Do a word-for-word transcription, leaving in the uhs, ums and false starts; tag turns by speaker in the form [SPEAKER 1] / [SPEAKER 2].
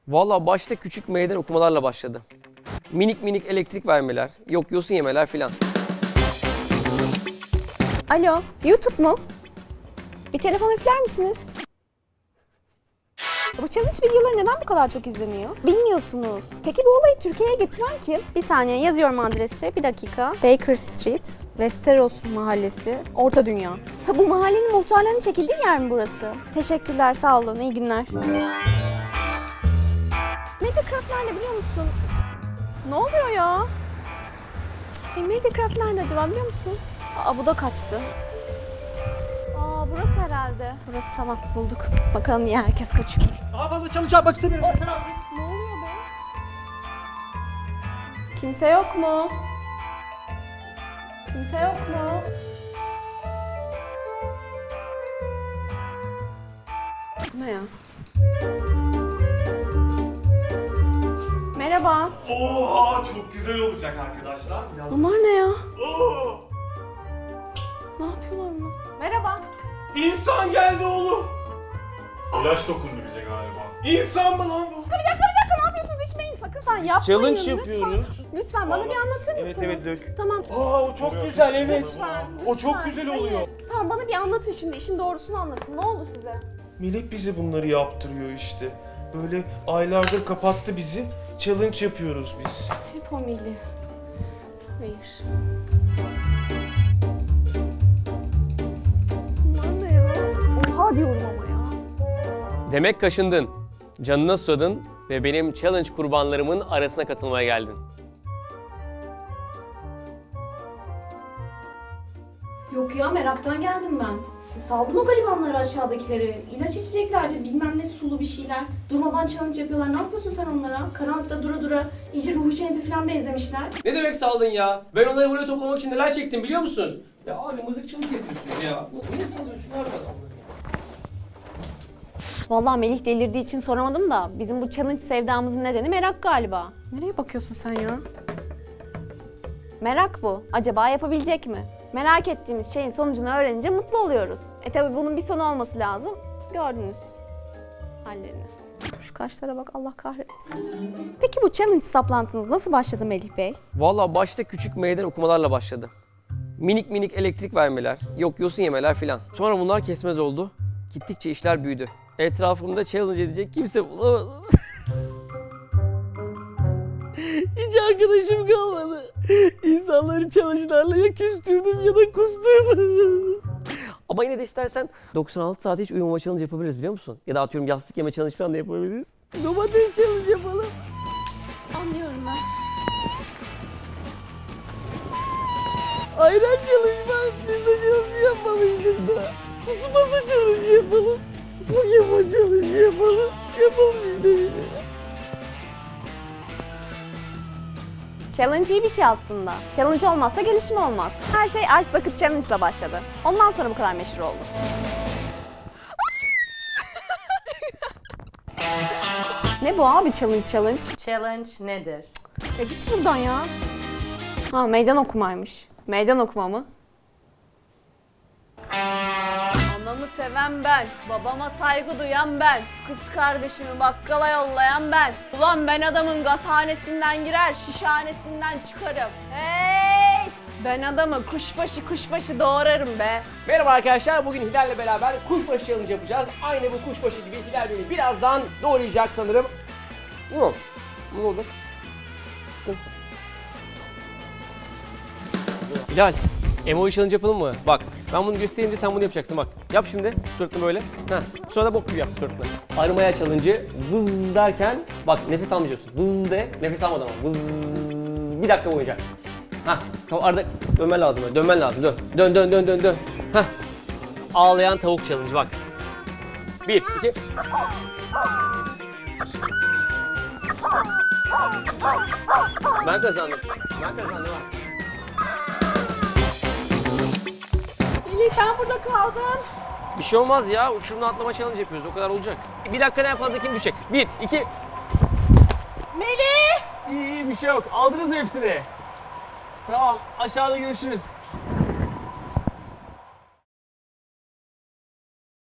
[SPEAKER 1] Valla başta küçük meydan okumalarla başladı. Minik minik elektrik vermeler, yok yosun yemeler filan.
[SPEAKER 2] Alo, YouTube mu? Bir telefon üfler misiniz? Bu challenge videoları neden bu kadar çok izleniyor? Bilmiyorsunuz. Peki bu olayı Türkiye'ye getiren kim? Bir saniye yazıyorum adresi. Bir dakika. Baker Street, Westeros Mahallesi, Orta Dünya. Ha, bu mahallenin muhtarlarının çekildiği yer mi burası? Teşekkürler, sağ olun. İyi günler. Mediacraft nerede biliyor musun? Ne oluyor ya? Cık, Mediacraft nerede acaba biliyor musun? Aa, bu da kaçtı. Aa, burası herhalde. Burası, tamam, bulduk. Bakalım niye herkes kaçıyor.
[SPEAKER 3] Daha fazla challenge yapmak istemiyorum.
[SPEAKER 2] Ne oluyor be? Kimse yok mu? Kimse yok mu? Bu ne ya? Merhaba.
[SPEAKER 4] Oha çok güzel olacak arkadaşlar. Biraz...
[SPEAKER 2] Bunlar ne ya?
[SPEAKER 4] Oo,
[SPEAKER 2] Ne yapıyorlar bunlar? Merhaba.
[SPEAKER 4] İnsan geldi oğlum.
[SPEAKER 5] İlaç dokundu bize galiba.
[SPEAKER 4] İnsan mı lan bu?
[SPEAKER 2] Bir dakika, bir dakika, ne yapıyorsunuz? İçmeyin sakın sen. Yapmayın
[SPEAKER 1] challenge
[SPEAKER 2] lütfen.
[SPEAKER 1] yapıyoruz.
[SPEAKER 2] Lütfen bana bir anlatır mısınız?
[SPEAKER 3] Evet evet dök.
[SPEAKER 2] Tamam.
[SPEAKER 4] Aa o çok güzel evet.
[SPEAKER 2] Lütfen,
[SPEAKER 4] O çok
[SPEAKER 2] lütfen.
[SPEAKER 4] güzel
[SPEAKER 2] Hayır.
[SPEAKER 4] oluyor.
[SPEAKER 2] Tamam, bana bir anlatın şimdi. İşin doğrusunu anlatın. Ne oldu size?
[SPEAKER 3] Melek bize bunları yaptırıyor işte. Böyle aylardır kapattı bizi. Challenge yapıyoruz biz.
[SPEAKER 2] Hep o Melih. Hayır. Bunlar ne ya? Oha diyorum ama ya.
[SPEAKER 1] Demek kaşındın, canına susadın ve benim challenge kurbanlarımın arasına katılmaya geldin.
[SPEAKER 6] Yok ya, meraktan geldim ben. Saldım o garibanları, aşağıdakileri. İlaç içeceklerdi, bilmem ne sulu bir şeyler. Durmadan challenge yapıyorlar. Ne yapıyorsun sen onlara? Karanlıkta dura dura iyice ruhu şenti falan benzemişler.
[SPEAKER 1] Ne demek saldın ya? Ben onları buraya toplamak için neler çektim biliyor musunuz? Ya abi mızıkçılık yapıyorsun ya. Niye salıyorsun abi adamları?
[SPEAKER 2] Vallahi Melih delirdiği için soramadım da bizim bu challenge sevdamızın nedeni merak galiba. Nereye bakıyorsun sen ya? Merak bu. Acaba yapabilecek mi? Merak ettiğimiz şeyin sonucunu öğrenince mutlu oluyoruz. E tabi bunun bir sonu olması lazım. Gördünüz hallerini. Şu kaşlara bak, Allah kahretsin. Peki bu challenge saplantınız nasıl başladı Melih Bey?
[SPEAKER 1] Valla başta küçük meydan okumalarla başladı. Minik minik elektrik vermeler, yok yosun yemeler filan. Sonra bunlar kesmez oldu. Gittikçe işler büyüdü. Etrafımda challenge edecek kimse bulamadım. Hiç arkadaşım kalmadı. İnsanları challenge'larla ya küstürdüm ya da kusturdum. Ama yine de istersen doksan altı saat hiç uyumama challenge yapabiliriz biliyor musun? Ya da atıyorum yastık yeme challenge falan da yapabiliriz. Domates challenge yapalım.
[SPEAKER 2] Anlıyorum ben.
[SPEAKER 1] Ayran challenge var. Biz de challenge yapmalıydık da. Tsubasa challenge yapalım. Pokemon challenge yapalım. Yapalım biz de bir şey.
[SPEAKER 2] Challenge iyi bir şey aslında. Challenge olmazsa gelişme olmaz. Her şey Ice Bucket Challenge ile başladı. Ondan sonra bu kadar meşhur oldu. Ne bu abi challenge challenge?
[SPEAKER 7] Challenge nedir?
[SPEAKER 2] Ya git buradan ya. Ha, meydan okumaymış. Meydan okuma mı? Anamı seven ben, babama saygı duyan ben, kız kardeşimi bakkala yollayan ben. Ulan ben adamın gazhanesinden girer, şişhanesinden çıkarım. Hey! Ben adamı kuşbaşı kuşbaşı doğrarım be.
[SPEAKER 1] Merhaba arkadaşlar, bugün Hilal'le beraber kuşbaşı challenge yapacağız. Aynı bu kuşbaşı gibi Hilal beni birazdan doğrayacak sanırım. Ne oldu? Ne oldu? Hilal, emoji challenge yapalım mı? Bak, ben bunu gösterince sen bunu yapacaksın bak. Yap şimdi, suratını böyle. Heh. Sonra da bok gibi yap suratını. Arımaya challenge'ı vız derken, bak nefes almayacaksın. Vız de, nefes almadan ama. Vız, bir dakika boyunca. Hah, tamam arada dönmen lazım böyle, dönmen lazım. Dön, dön, dön, dön, dön, dön. Hah. Ağlayan tavuk challenge bak. Bir, iki. Ben kazandım. Ben kazandım ha.
[SPEAKER 2] Melih, ben burada kaldım.
[SPEAKER 1] Bir şey olmaz ya. Uçurumdan atlama challenge yapıyoruz. O kadar olacak. Bir dakikadan en fazla kim düşecek? Bir, iki.
[SPEAKER 2] Melih!
[SPEAKER 1] İyi, iyi bir şey yok. Aldınız mı hepsini? Tamam. Aşağıda görüşürüz.